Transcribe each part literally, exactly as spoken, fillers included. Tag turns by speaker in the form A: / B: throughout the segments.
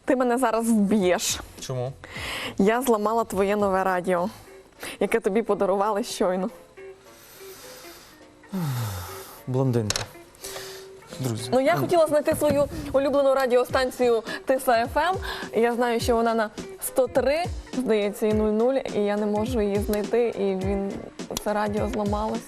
A: Ти мене зараз вб'єш.
B: Чому?
A: Я зламала твоє нове радіо, яке тобі подарували щойно.
B: Блондинка. Друзі.
A: Ну, я хотіла знайти свою улюблену радіостанцію Тиса еф ем. Я знаю, що вона на сто три, здається, і нуль нуль, і я не можу її знайти, і він, це радіо зламалось.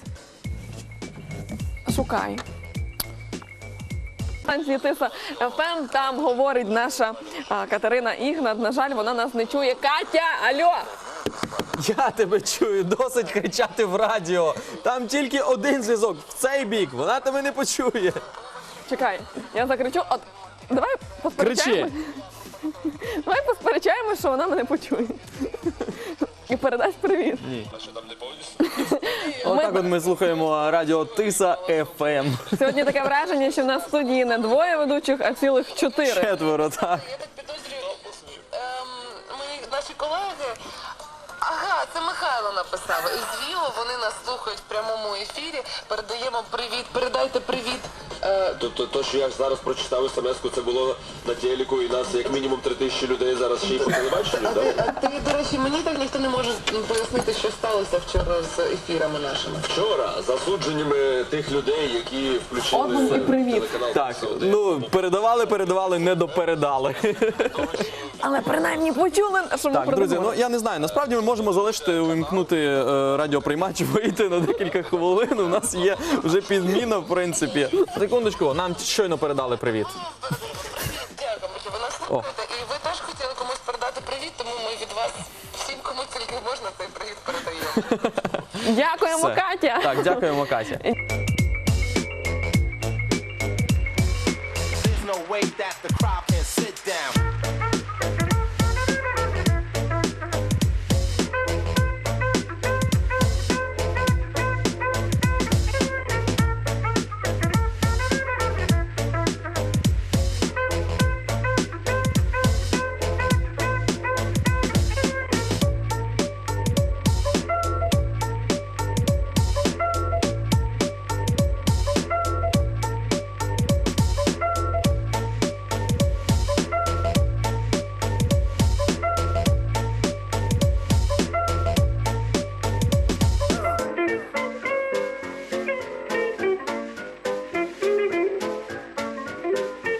A: Шукай. Станції Тиса еф ем, там говорить наша а, Катерина Ігнат. На жаль, вона нас не чує. Катя, алло!
B: Я тебе чую, досить кричати в радіо. Там тільки один зв'язок, в цей бік, вона тебе не почує.
A: Чекай, я закричу. От, давай посперечаємо. Давай посперечаємо, що вона мене почує. І передасть привіт.
B: Ні. Отак от ми слухаємо радіо Тиса еф ем.
A: Сьогодні таке враження, що в нас в студії не двоє ведучих, а цілих чотири.
B: Четверо, так.
C: Я так підозрюю, ем, мої наші колеги. Ага, це Михайло написав. Із Віло вони нас слухають в прямому ефірі. Передаємо привіт. Передайте привіт. Е,
D: Тобто, то, що я зараз прочитав смс-ку, це було на телеку, і нас як мінімум три тисячі людей зараз ще й по телебаченню,
C: а, ти,
D: так?
C: а ти, до речі, мені так ніхто не може пояснити, що сталося вчора з ефірами нашими.
D: Вчора засудженнями тих людей, які включили
A: Одному і привіт.
D: телеканал
B: Так,
D: «Тиса один».
B: ну, передавали, передавали, не допередали.
A: Але принаймні почули, що ми
B: Так, друзі, ну
A: передаємо.
B: я не знаю, насправді ми можемо залишити, увімкнути е, радіоприймач, вийти на декілька хвилин. У нас є вже підміна, в принципі. Секундочку, нам щойно передали привіт.
C: Дякую, що ви нас слухаєте. І ви теж хотіли комусь передати привіт, тому ми від вас всім, кому тільки можна, цей привіт передаємо.
A: Дякуємо,
B: Все.
A: Катя.
B: Так, дякуємо, Катя.